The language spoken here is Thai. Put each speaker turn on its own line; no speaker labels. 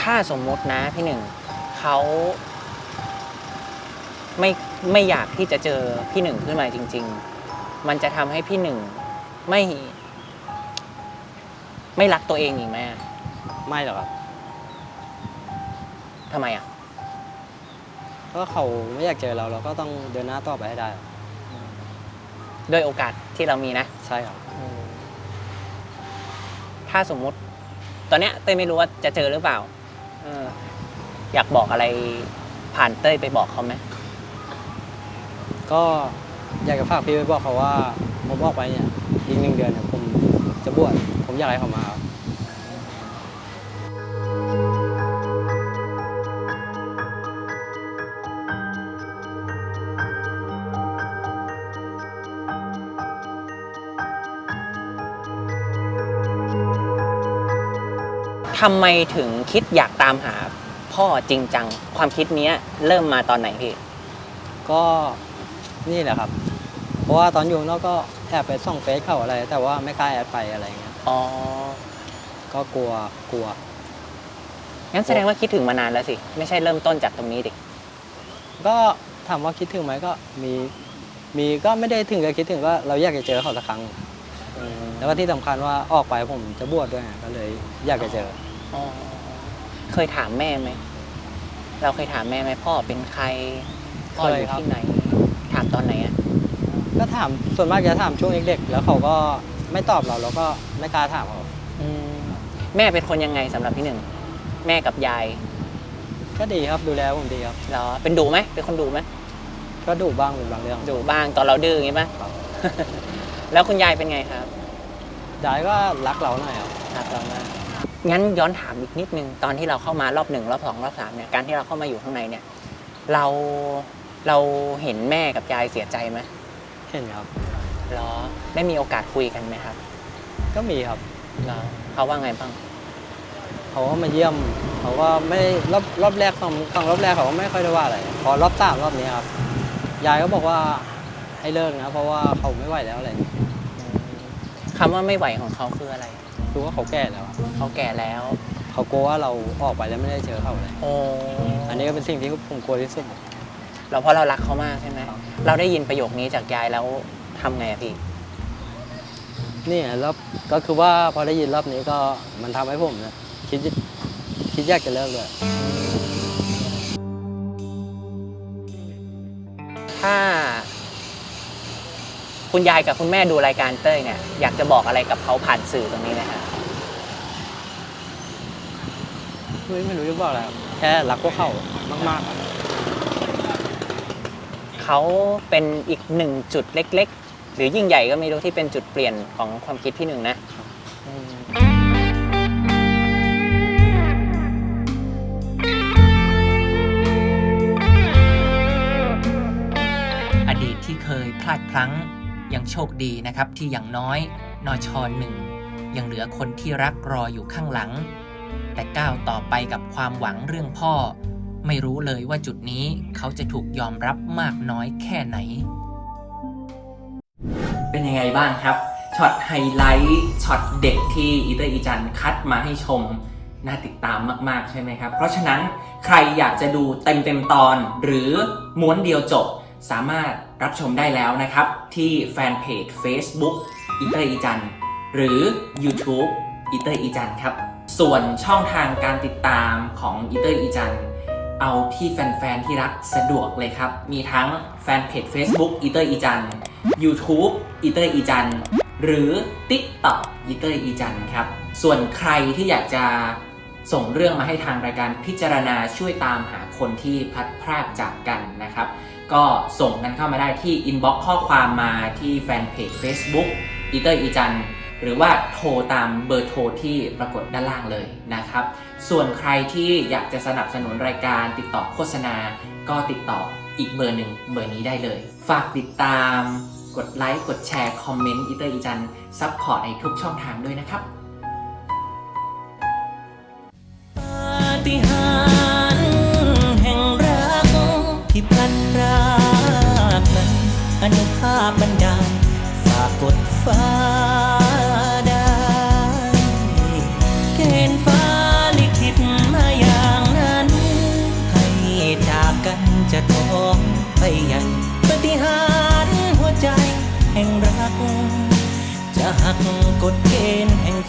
ถ้าสมมุตินะพี่หนึ่งเขาไม่ไม่อยากที่จะเจอพี่หนึ่งขึ้นมาจริงๆมันจะทำให้พี่หนึ่งไม่รักตัวเองอีกไหม
ไม่หรอกครับ
ทำไมอ่ะ
เพราะเขาไม่อยากเจอเราก็ต้องเดินหน้าต่อไปให้ได้
ด้วยโอกาสที่เรามีนะ
ใช่ครับ
ถ้าสมมุติตอนเนี้ยเต้ยไม่รู้ว่าจะเจอหรือเปล่าอยากบอกอะไรผ่านเต้ยไปบอกเขาไหม
ก็อยากจะฝากพี่ไปบอกเขาว่าผมออกไปเนี่ยอีก1 เดือนเนี่ยผมจะบวชผมอยากให้เขามาครับ
ทำไมถึงคิดอยากตามหาพ่อจริงจังความคิดนี้เริ่มมาตอนไหนพี่
ก็นี่แหละครับเพราะว่าตอนอยู่นอกก็แอบไปส่องเฟซเขาอะไรแต่ว่าไม่กล้าแอดไปอะไรเงี้ย
อ๋อ
ก็กลัว
งั้นแสดงว่าคิดถึงมานานแล้วสิไม่ใช่เริ่มต้นจากตรงนี้ดิ
ก็ถามว่าคิดถึงไหมก็มีก็ไม่ได้ถึงกับคิดถึงก็เราอยากจะเจอเขาสักครั้งแล้วก็ที่สำคัญว่าออกไปผมจะบวชด้วยก็เลยอยากจะเจอ
เคยถามแม่ไหมเราเคยถามแม่ไหมพ่อเป็นใครพ่ออยู่ที่ไหนถามตอนไหนอ่ะ
ก็ถามส่วนมากจะถามช่วงเด็กๆแล้วเขาก็ไม่ตอบเราก็ไม่กล้าถามเขา
แม่เป็นคนยังไงสำหรับพี่หนึ่งแม่กับยาย
ก็ดีครับดูแลผมดีครับ
เหรอเป็นดุไหมเป็นคนดุไหม
ก็ดุบ้างเป็นบางเรื่อง
ดุบ้างตอนเราดื้ออย่างงี้ป่ะแล้วคุณยายเป็นไงครับ
ยายก็รักเราหน่อยครับ
รักเรามากงั้นย้อนถามอีกนิดนึงตอนที่เราเข้ามารอบ1รอบ2รอบ3เนี่ยการที่เราเข้ามาอยู่ข้างในเนี่ยเราเห็นแม่กับยายเสียใจไหม
เห็นครับ
เหรอได้มีโอกาสคุยกันไหมครับ
ก็มีครับ
เหรอเขาว่าไงบ้าง
เขาก็มาเยี่ยมเขาก็ไม่รอบแรกของรอบแรกเขาก็ไม่ค่อยได้ว่าอะไรพอรอบ3รอบนี้ครับยายก็บอกว่าให้เลิกนะเพราะว่าเขาไม่ไหวแล้วอะไร
คำว่าไม่ไหวของเขาคืออะไร
คือว่าเขาแก่แล้ว
เขาแก่แล้ว
เขากลัวว่าเราออกไปแล้วไม่ได้เจอเขาเลยอันนี้ก็เป็นสิ่งที่ผมกลัวที่สุด
เราเพราะเรารักเขามากใช่ไหมเราได้ยินประโยคนี้จากยายแล้วทำไงอะพี่
นี่แล้วก็คือว่าพอได้ยินรอบนี้ก็มันทำให้ผมเนี่ยคิดอยากจะเลิกเลย
ถ้าคุณยายกับคุณแม่ดูรายการเต้ยเนี่ยอยากจะบอกอะไรกับเขาผ่านสื่อตรงนี้ไหมครับ
ไม่รู้จะบอกอะไรแค่รักพวกเขามาก
ๆเขาเป็นอีก1จุดเล็กๆหรือยิ่งใหญ่ก็ไม่รู้ที่เป็นจุดเปลี่ยนของความคิดพี่หนึ่งนะอดีตที่เคยพลาดพลั้งยังโชคดีนะครับที่อย่างน้อยนช.1ยังเหลือคนที่รักรออยู่ข้างหลังแต่ก้าวต่อไปกับความหวังเรื่องพ่อไม่รู้เลยว่าจุดนี้เขาจะถูกยอมรับมากน้อยแค่ไหนเป็นยังไงบ้างครับช็อตไฮไลท์ช็อตเด็กที่อีเตอร์อีจันคัดมาให้ชมน่าติดตามมากๆใช่ไหมครับเพราะฉะนั้นใครอยากจะดูเต็มตอนหรือม้วนเดียวจบสามารถรับชมได้แล้วนะครับที่แฟนเพจ Facebook อีเตอร์อีจันหรือ YouTube อีเตอร์อีจันครับส่วนช่องทางการติดตามของอีเตอร์อีจันเอาที่แฟนๆที่รักสะดวกเลยครับมีทั้งแฟนเพจ Facebook อีเตอร์อีจัน YouTube อีเตอร์อีจันหรือ TikTok อีเตอร์อีจันครับส่วนใครที่อยากจะส่งเรื่องมาให้ทางรายการพิจารณาช่วยตามหาคนที่พลัดพรากจากกันนะครับก็ส่งกันเข้ามาได้ที่อินบ็อกซ์ข้อความมาที่แฟนเพจ Facebook อีเตอร์อีจันหรือว่าโทรตามเบอร์โทรที่ปรากฏด้านล่างเลยนะครับส่วนใครที่อยากจะสนับสนุนรายการติดต่อโฆษณาก็ติดต่ออีกเบอร์หนึ่งเบอร์นี้ได้เลยฝากติดตามกดไลค์กดแชร์คอมเมนต์อีเตอร์อีจันซัพพอร์ตในทุกช่องทางด้วยนะครับปาฏิหาริย์แห่งรักที่พลัดพรากนั้นอนุภาพบันดาลฝากกดฟ้าได้เกณฑ์ฟ้าลิขิตมาอย่าง
จะท้องไปใหญ่ปาฏิหาริย์หัวใจแห่งรักจะหักกฎเกณฑ์แห่ง